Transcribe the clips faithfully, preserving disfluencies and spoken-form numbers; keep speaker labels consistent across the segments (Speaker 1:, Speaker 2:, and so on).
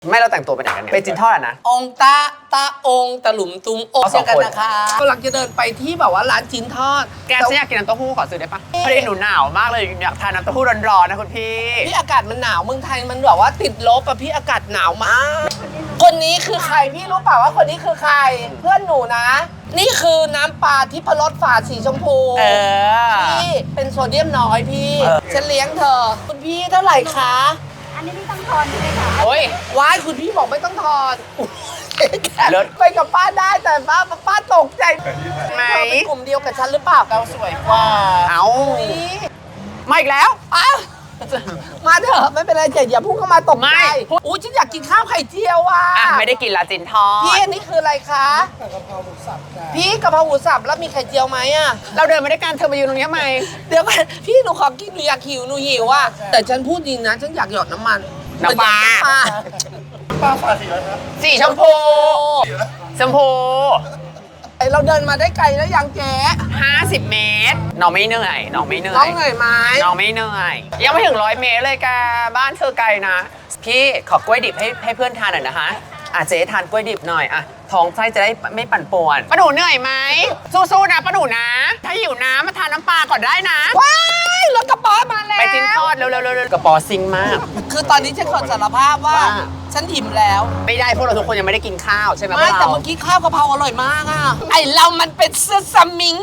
Speaker 1: ไม่เราแต่งตัวเป็นไหนกันเนี่ยเป็นจินทอดอะนะ
Speaker 2: องตาตาองตะหลุมตุงอกเจอกันนะคะกำลังจะเดินไปที่แบบว่าร้านจิ้นทอด
Speaker 1: แกฉันอยากกินน้ำเต้าหู้ขอซื้อได้ปะพอดีหนูหนาวมากเลยอยากทานน้ำเต้าหู้ร้อนๆนะคุณพี่
Speaker 2: พี่อากาศมันหนาวเมืองไทยมันแบบว่าติดลบอะพี่อากาศหนาวมากคนนี้คือใครพี่รู้เปล่าว่าคนนี้คือใครเพื่อนหนูนะนี่คือน้ำปลาทิพรสฝาสีชมพู
Speaker 1: เออ
Speaker 2: พี่เป็นโซเดียมน้อยพี่ฉันเลี้ยงเธอคุณพี่เท่าไหร่คะ
Speaker 3: อันนี้ไม่ต้องทอนใช่ไหมคะ
Speaker 1: โอ้ย
Speaker 2: ว้ายคุณพี่บอกไม่ต้องทอน
Speaker 1: เลิศ
Speaker 2: ไปกับป้าได้แต่ป้าป้าตกใจ
Speaker 1: ไหม
Speaker 2: เธอเป็นกลุ่มเดียวกับฉันหรือเปล่าเราสวยกว่า
Speaker 1: เอามาอีกแล้ว
Speaker 2: อ้าวมาเถอะไม่เป็นไรเจ๊อย่าพุ่งเข้ามาตกใจอู้ฉันอยากกินข้าวไข่เจียวอ่ะ
Speaker 1: อ่ะไม่ได้กินละจินทอด
Speaker 2: พี่อันนี้คืออะไรคะกะเพราหมูสับพี่กะเพราหมูสับแล้วมีไข่เจียวไหมอ่ะ
Speaker 1: เราเดินมาด้วยกันเธอมาอยู่ตรงนี้ทำไม
Speaker 2: เดี๋ยวก่อนพี่หนูขอกินหนูอยากหิวหนูหิวอ่ะแต่ฉันพูดจริงนะฉันอยากหยอดน้ำมัน
Speaker 1: น้ำปลา
Speaker 2: ปลาฝาสีอะไรครับ
Speaker 1: สีชมพูชมพู
Speaker 2: เราเดินมาได้ไกลแล้วยังเจ๊
Speaker 1: ห้าสิบเมตรน้องไม่เหนื่อยน้องไม่เหนื่อย
Speaker 2: น้องเหนื่อยไหม
Speaker 1: น้องไม่เหนื่อยยังไม่ถึงร้อยเมตรเลยแกบ้านเธอไกลนะพี่ขอกล้วยดิบให้ให้เพื่อนทานหน่อยนะคะอ่ะเจ๊ทานกล้วยดิบหน่อยอ่ะท้องไส้จะได้ไม่ปั่นป่วนป้าหนูเหนื่อยไหมสู้ๆนะป้าหนูนะถ้าหิวน้ำมาทานน้ำปลาก่อนได้นะ
Speaker 2: ว้ายรถกระป๋อมาแล้ว
Speaker 1: ไปจิ้นทอดเร็วๆๆกระป๋อซิงมาก
Speaker 2: คือตอนนี้ฉันขอสารภาพว่าฉันอิ่มแล้ว
Speaker 1: ไม่ได้พวกเราทุกคนยังไม่ได้กินข้าวใช่ไหม
Speaker 2: ไม่แต่เมื่อกี้ข้าวกะเพราอร่อยมากอ่ะไอเรามันเป็นเสื้อสมิง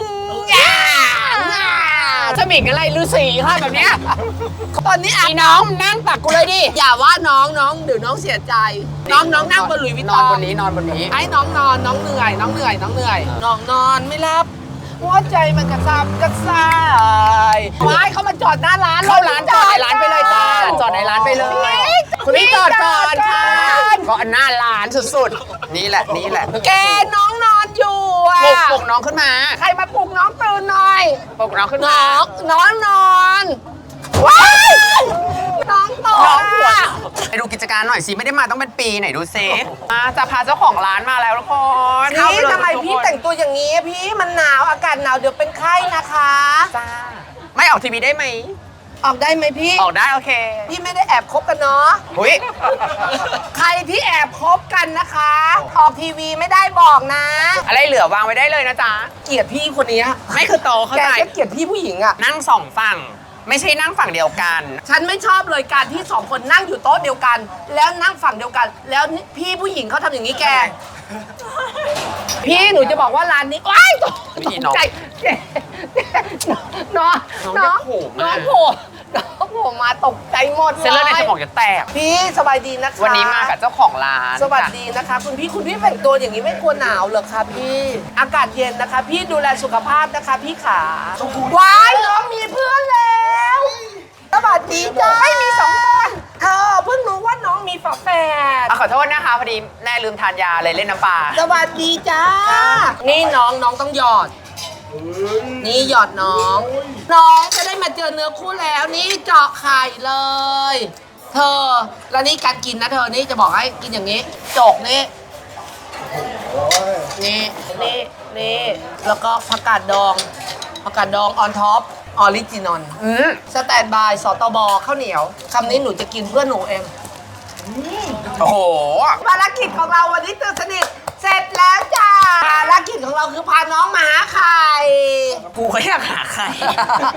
Speaker 1: สมิงอะไรฤาษีค่ะแบบเนี้ย
Speaker 2: ตอนนี้
Speaker 1: อีน้องนั่งตักกูเลยดิ
Speaker 2: อย่าว่าน้องน้องเดี๋ยวน้องเสียใจน้องน้องนั่งบนหลุยส์วิตตอง
Speaker 1: นอนบนนี้นอนบนนี้
Speaker 2: ไอ้น้องนอนน้องเหนื่อยน้องเหนื่อยน้องเหนื่อยน้องนอนไม่รับหัวใจมันกระซับกระซ่ายว้ายเขามาจอดหน้าร้าน
Speaker 1: เข้าร้านจอดในร้านไปเลยจ้าจอดในร้านไปเลยคุณพี่จอดก่อนค่ะก็หน้าร้านสุดๆนี่แหละนี่แหละ
Speaker 2: แกน้องนอนอยู่อ่ะ
Speaker 1: ปลุกปลุกน้องขึ้นมา
Speaker 2: ใครมาปลุกน้องตื่นหน่อย
Speaker 1: ปลุกน้องขึ้นมา
Speaker 2: น้องน้องนอนว้ายน้องตก
Speaker 1: ไปดูกิจการหน่อยสิไม่ได้มาต้องเป็นปีไหนดูซิมาจะพาเจ้าของร้านมาแล้วทุกคน
Speaker 2: นี่ทำไมพี่แต่งตัวอย่างนี้พี่มันหนาวอากาศหนาวเดี๋ยวเป็นไข้นะคะ
Speaker 1: จ้าไม่ออกทีวีได้ไหม
Speaker 2: ออกได้ไหมพี่
Speaker 1: ออกได้โอเค
Speaker 2: พี่ไม่ได้แอบคบกันเนาะ
Speaker 1: หุ้ย
Speaker 2: ใครที่แอบคบกันนะคะออกทีวีไม่ได้บอกนะ
Speaker 1: อะไรเหลือวางไว้ได้เลยนะจ๊ะ
Speaker 2: เกลียดพี่คนนี้
Speaker 1: ไม่คือโตเข้าใจ
Speaker 2: แกเกลียดพี่ผู้หญิงอะ
Speaker 1: นั่งสองฝั่งไม่ใช่นั่งฝั่งเดียวกัน
Speaker 2: ฉันไม่ชอบเลยการที่สองคนนั่งอยู่โต๊ะเดียวกัน แล้วนั่งฝั่งเดียวกัน แล้วพี่ผู้หญิงเขาทำอย่างนี้แกพี่หนูจะบอกว่าร้านนี้ว้ายตกใจน้องน้องน้องโผล่น้องโผล่มาตกใจหมดเลย
Speaker 1: เส้นเลือดในสมองจะแตก
Speaker 2: พี่สบายดีนะคะ
Speaker 1: วันนี้มากับเจ้าของร้าน
Speaker 2: สวัสดีนะคะคุณพี่คุณพี่แต่งตัวอย่างนี้ไม่กลัวหนาวเหรอคะพี่อากาศเย็นนะคะพี่ดูแลสุขภาพนะคะพี่ขาว้ายน้องมีเพื่อนแล้วสวัสดีจ้าไม่มีสองคนเธอเพิ่งรู้ว่าน้องมีฝาแฝด
Speaker 1: ขอโทษนะคะพอดีแม่ลืมทานยาเลยเล่นน้ำปลา
Speaker 2: สวัสดีจ้านี่น้องน้องต้องหยอดนี่หยอดน้องน้องจะได้มาเจอเนื้อคู่แล้วนี่เจาะไข่เลยเธอแล้วนี่การกินนะเธอนี่จะบอกให้กินอย่างนี้จกนี่นี่นี่นี่แล้วก็ผักกาดดองผักกาดดองออนท็อปออริจินอลสแตนบายสตบข้าวเหนียวคำนี้หนูจะกินเพื่อหนูเอง
Speaker 1: โอ้โห
Speaker 2: ภารกิจของเราวันนี้ตื่นสนิทเสร็จแล้วจ้าภารกิจของเราคือพาน้องมาหาไข่
Speaker 1: กูก็อยากหาไข่